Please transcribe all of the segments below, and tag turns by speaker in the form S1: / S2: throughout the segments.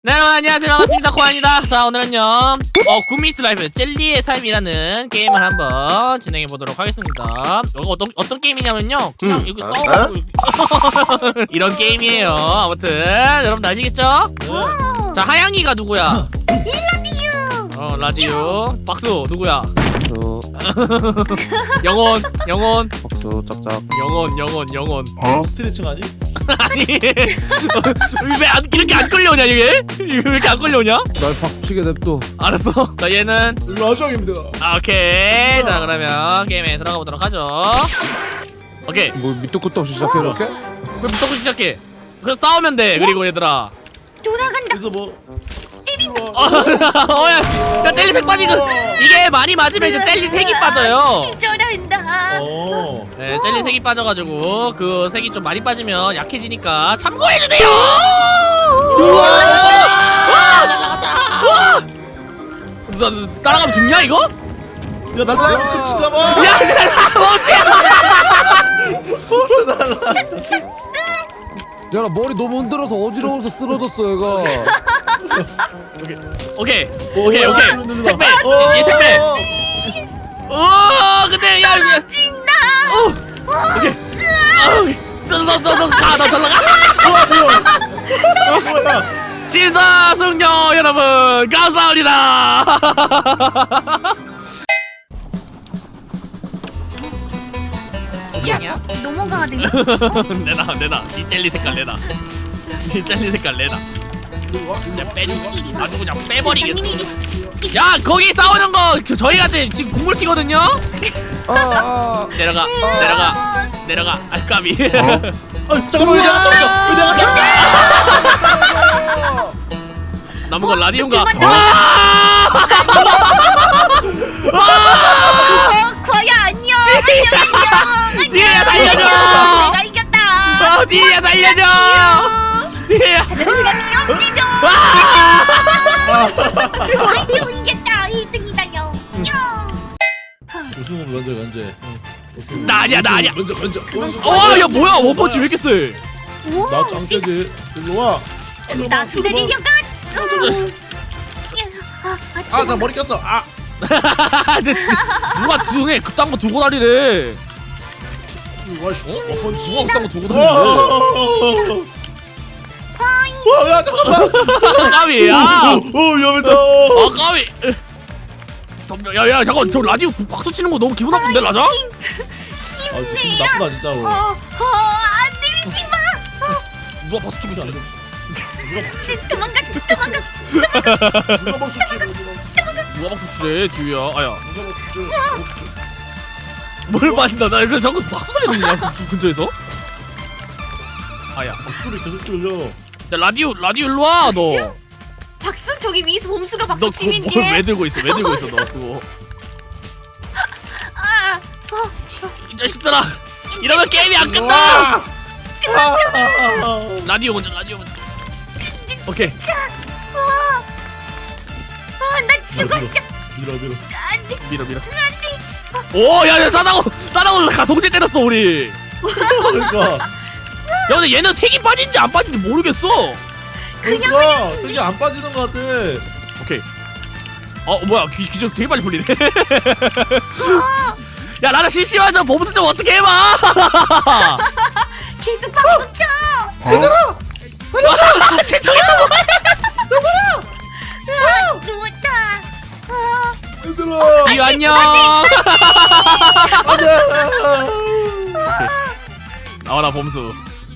S1: 네, 여러분 안녕하세요. 반갑습니다. 코아입니다. 자, 오늘은요 굿미스 라이프 젤리의 삶이라는 게임을 한번 진행해 보도록 하겠습니다. 이거 어떤 게임이냐면요, 그냥 이거 싸우고 이런 게임이에요. 아무튼 여러분 아시겠죠? 자, 하양이가 누구야? 라디오. 라디오. 박수 누구야?
S2: 박수.
S1: 영원.
S2: 박수 짝짝.
S1: 영원.
S3: 스트레칭 아니?
S1: 아니 왜 이렇게 안 끌려오냐 이게? 이거 왜 이렇게 안 끌려오냐?
S2: 날 박수 치게 냅둬.
S1: 알았어. 자, 얘는
S3: 라정입니다.
S1: 오케이. 자, 그러면 게임에 들어가 보도록 하죠. 오케이.
S2: 뭐 밑도 끝도 없이 시작해 이렇게?
S1: 그럼 부터 시작해. 그럼 싸우면 돼. 그리고 얘들아.
S4: 돌아간다.
S3: 그래서 뭐?
S1: 야, 젤리 색 빠지고 이게 많이 맞으면 이제 젤리 색이 빠져요.
S4: 기절한다.
S1: 네, 젤리 색이 빠져가지고 그 색이 좀 많이 빠지면 약해지니까 참고해주세요. 나 따라가면 죽냐 이거?
S3: 야, 날라가면 끝인가 봐.
S1: 야,
S2: 야 나 머리 너무 흔들어서 어지러워서 쓰러졌어 얘가.
S1: 오케이. 색배. 얘 색배. 근데 야,
S4: 진다.
S1: 오케이. 너 가, 너 절로 가.
S3: 뭐야?
S1: 신사숙녀 여러분 감사합니다.
S4: 야, 넘어가야 돼.
S1: 내놔 이 젤리 색깔 내놔. 이 젤리 색깔 내놔. 그냥 아주 그냥 빼버리겠어. 야, 거기 싸우는 거 저희한테 지금 국물 튀거든요. 내려가. 아, 까비.
S3: 잠깐만, 왜 내가 떨어져? 왜 내가 떨어져?
S1: 남은 건 라디온가.
S4: 과야 안녕.
S1: 뒤에야 살려줘.
S4: 내가 이겼다.
S1: 뒤에야 살려줘. 뒤에야.
S4: 내가 미엄지죠. 아이고 이겼다. 1등이다 영.
S3: 우승은 면제.
S1: 나 아니야.
S3: 면제.
S1: 야, 뭐야, 원펀치 왜 이렇게 세?
S3: 나 짱깨지. 일로 와.
S4: 나 두대리 려가.
S3: 나 머리 꼈어.
S1: 누가 등에 그딴 거 두고 다니래?
S3: 와, 씨.
S1: 누가 그딴 거 두고 다니래?
S3: 야, 잠깐만.
S1: 까비. 야.
S3: 위험했다.
S1: 까비. 야, 잠깐, 저 라디오 박수 치는 거 너무 기분 나쁜데, 라자?
S3: 기분 나쁘다 진짜로.
S4: 안 내리지 마.
S1: 누가 박수 치고 있어?
S4: 도망가.
S3: 누가 박수 치고
S1: 누가 박수 치래, 뒤야? 아야.
S3: 누가 박수 치고.
S1: 뭘 마신다? 나 이거 자꾸 박수 소리 들리냐, 근처에서? 아야.
S3: 소리 계속 들려.
S1: 야, 라디오 일로 와, 너.
S4: 박수 저기 위에서 봄수가
S1: 너
S4: 박수
S1: 그거
S4: 치는
S1: 뭘
S4: 게.
S1: 왜 들고 있어, 너 그거. 이 자식들아. 이러면 게임이 안 끝나! 라디오 먼저. 오케이.
S4: 나 죽었어.
S3: 밀어.
S4: 안돼.
S1: 밀어. 오, 야, 싸다고 가 동시에 때렸어, 우리.
S3: 그러니까.
S1: 야, 근데 얘는 색이 빠진지 안 빠진지 모르겠어.
S3: 그러니까 색이 안 빠지는 것 같아.
S1: 오케이. 뭐야, 기적 되게 빨리 풀리네. 야, 나는 실시간저 보부스 좀 어떻게 해봐.
S4: 계속 박수 쳐.
S3: 얘들아.
S1: 최종이야.
S4: 누웠다.
S3: 얘들아.
S1: 디유 안녕.
S3: 안돼.
S1: 나와라, 범수.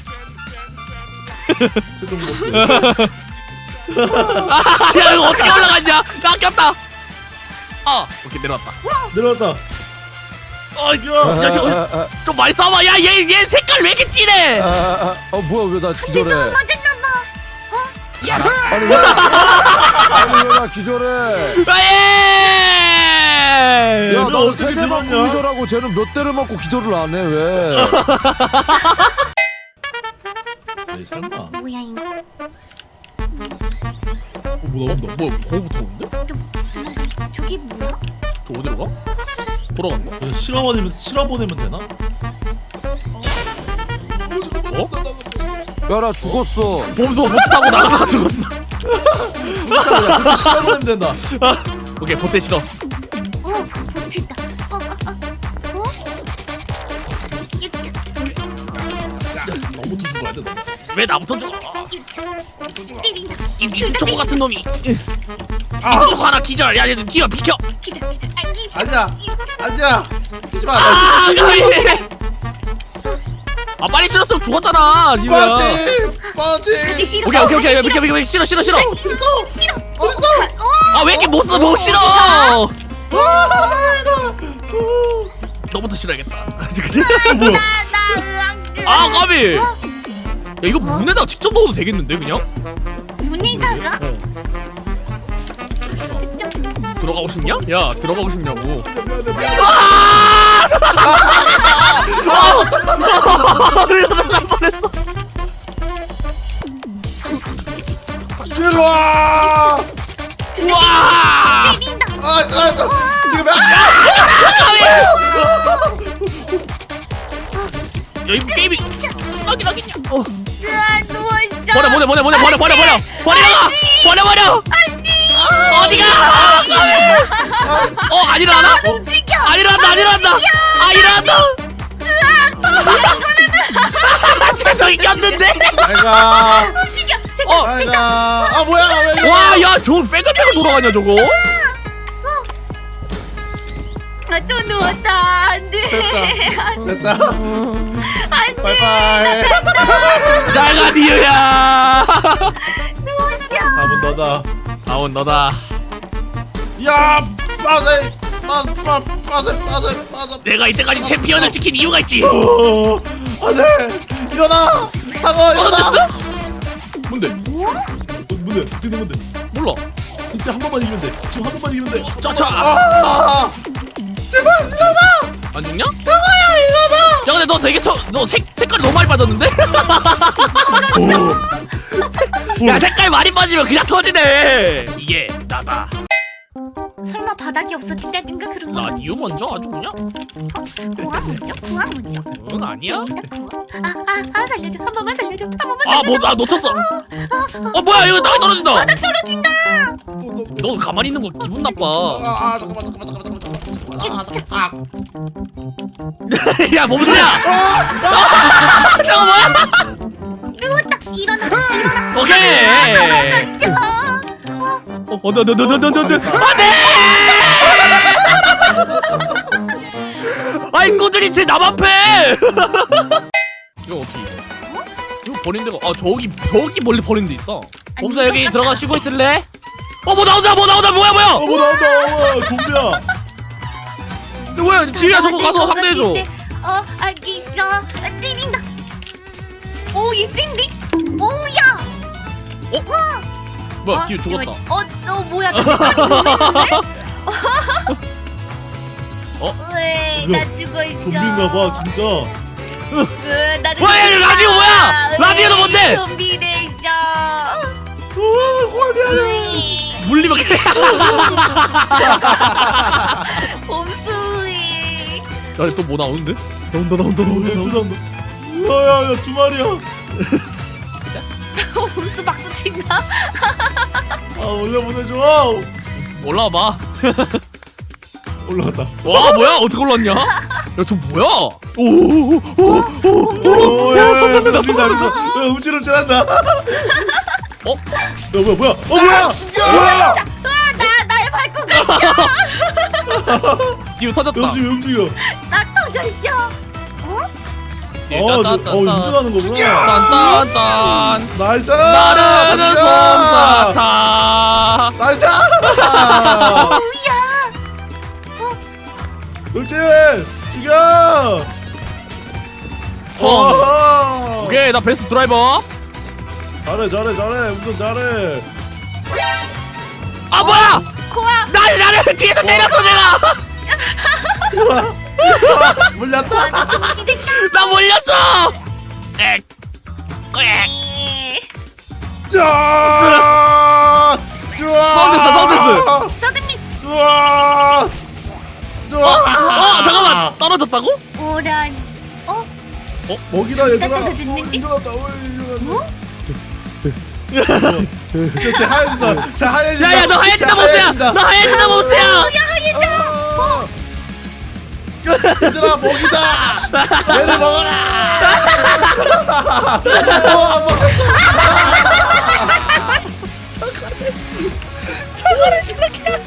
S3: 최종 보스.
S1: 야, 이거 어떻게 올라갔냐? 나 꼈다. 오케이, 내려왔다.
S3: 내려왔다.
S1: 이 자식 좀 많이 싸워. 야, 얘 색깔 왜 이렇게 진해?
S2: 뭐야 왜 나 기절해?
S4: 맞았나봐.
S2: 아니 왜 나 기절해?
S1: 예!
S2: 야
S3: 너
S2: 나는
S3: 어떻게
S2: 3대 맞고
S3: 들었냐?
S2: 기절하고 쟤는 몇 대를 맞고 기절을 안 해 왜?
S3: 에이, 설마.
S4: 뭐야 이거?
S1: 뭐야, 거기부터 오는데?
S4: 저기 뭐야?
S1: 저 어디로 가? 돌아가는 거야?
S3: 그냥 실어보내면 되나?
S1: 어?
S2: 야 나 죽었어.
S1: 범수 못 타고 나가서 죽었어.
S3: 그렇게 실어보내면 된다.
S1: 오케이 보태 싫어.
S4: 오 됐다. 어? 유차
S3: 너무 두고 돼.
S1: 왜 나부터 죽어?
S4: 유차 때린다.
S1: 이 미스초코 같은 놈이.
S3: 아,
S1: 미스초코 하나 기절. 야 얘들 뒤로 비켜.
S4: 기절 알기.
S3: 아니야, 아니야. 뛰지 마.
S1: 아 가위. 아 빨리 실었으면 죽었잖아. 지우야.
S3: 빠지.
S4: 다시 싫어.
S1: 오케이 비켜 싫어.
S4: 싫어.
S3: 됐어.
S1: 아 왜 이렇게 못 싫어? 너부터 싫어야겠다.
S3: 뭐야?
S1: 아 까비. 야 이거 문에다가 직접 넣어도 되겠는데 그냥?
S4: 문에다가
S1: 들어가고 싶냐? 야 들어가고 싶냐고. 이러다 날 뻔했어.
S3: 이리 와.
S1: 우와.
S4: 때린다.
S3: 아, 지금
S1: 야 이거 게임이 나긴 하겠냐?
S4: 누웠어.
S1: 버려. 어디가? 안 일어나나?
S4: 움직여.
S1: 안 일어난다. 저기 꼈는데?
S3: 아이가.
S4: 움직여.
S3: 아이가. 아 뭐야? 왜 이래?
S1: 와, 야, 저거 빼글빼글 돌아가냐 저거?
S4: 또 누웠다. 안돼.
S3: 됐다.
S4: 안돼.
S3: 바이바이.
S1: 잘가 디유야.
S3: 다음은 너다.
S1: 아운 너다.
S3: 야, 빠세.
S1: 내가 이때까지 챔피언을 지킨 이유가 있지.
S3: 안돼. 일어나. 사과 일어나.
S1: 떨어졌어? 뭔데?
S3: 뭔데? 지금 뭔데?
S1: 몰라.
S3: 이때 한 번만 이기면 돼. 지금 한 번만 이기면 돼.
S1: 짜차.
S3: 제발 일어나.
S1: 안 죽냐? 상아야 일어나. 야 근데 너 되게 너 색깔이 너무 많이 빠졌는데? 야 색깔 많이 빠지면 그냥 터지네. 이게 나다.
S4: 설마 바닥이 없어진다든가 그런 거?
S1: 라디오 먼저 아주 그냥?
S4: 구하 먼저.
S1: 그건 아니야?
S4: 살려줘. 한 번만 살려줘.
S1: 나 놓쳤어. 뭐야 이거 땅에 떨어진다.
S4: 바닥 떨어진다.
S1: 너 가만히 있는 거 기분 나빠.
S3: 잠깐만.
S1: 야 몸수야. 저거 뭐야?
S4: 누웠다. 일어나.
S1: 오케이.
S4: 떨어졌어.
S1: 너너너너너너너 안돼. 아이 꾸준히 제 남 앞에. 이거 어떻게 이거? 이거 버린 데가 저기 멀리 버린 데 있어. 봄사 여기 들어가 쉬고 있을래? 뭐 나온다 뭐야
S3: 뭐 나온다. 좀비야.
S1: 뭐야 지우야 저거 가서 상대해줘.
S4: 알겠어. 때린다. 오, 얘 센데? 오야.
S1: 뭐야 지우 죽었다.
S4: 뭐야? 왜? 나 죽어 있어.
S3: 좀비인가 봐 진짜.
S4: 나는
S1: 뭐야, 라디오 뭐야? 라디오는 뭔데?
S4: 좀비 됐어.
S1: 물리면 그래.
S4: 봄수이.
S1: 야또 뭐 나오는데? 나온다.
S3: 나온다. 야야야 두 마리야.
S4: 봄수 박수 친다.
S3: 아 올려보내줘.
S1: 올라와봐.
S3: 올라갔다.
S1: 와 뭐야 어떻게 올랐냐? 야저 뭐야?
S3: 오야 음식 잘했어. 음질음질한다. 뭐야? 뭐야?
S4: 날 밟고 갔어.
S1: 뒤로 터졌다.
S3: 움직여.
S4: 나 터졌어.
S3: 음질하는 거구나.
S1: 딴딴딴.
S3: 나이스.
S1: 나르는 솜사탕.
S3: 나이스.
S4: 뭐야?
S3: 음질 죽여.
S1: 오케이 나 베스트 드라이버.
S3: 잘해. 운전 잘해.
S1: 아 뭐야?
S4: 코아.
S1: 나를 뒤에서 때렸어 내가.
S3: 물렸다.
S4: 좀비 됐다.
S1: 나 몰렸어. 엑.
S3: 자.
S1: 사운드.
S4: 서든미.
S1: 잠깐만 떨어졌다고?
S4: 오란.
S3: 먹이다 얘들아.
S4: 떨어졌는데?
S3: 일어났다. 쟤 하얘진다. 쟤 하얘진다.
S1: 야야 너 하얘진다
S3: 쟤
S1: 못해야.
S3: 하얘진다.
S1: 너 하얘진다 못해야.
S3: 얘들아 먹이다. 얘를 먹어라. 안 먹었어.
S1: 저거를 저렇게.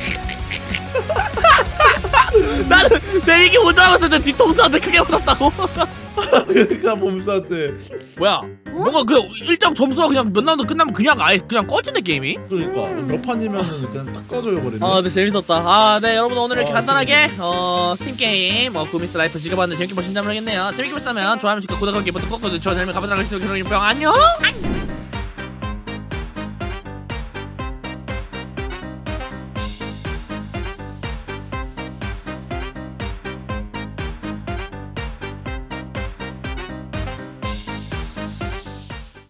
S1: 나는 재밌게 못 잡았을 때 뒤통수한테 크게 맞았다고.
S3: 그러니까 몸싸한테.
S1: 뭐야? 뭔가 그 일정 점수가 그냥 몇 라운드 끝나면 그냥 아예 그냥 꺼지네 게임이.
S3: 그러니까 몇 판이면은 그냥 딱 꺼져요 버리네.
S1: 아, 네 재밌었다. 아, 네 여러분 오늘 이렇게
S3: 아,
S1: 간단하게 스팀 게임 구미스 라이프 즐겨봤는데 재밌게 보신다면 모르겠네요. 재밌게 보셨다면 좋아요, 구독하기 버튼 꾹 눌러주시고 저희 다음에 가보도록 하겠습니다. 그럼 안녕.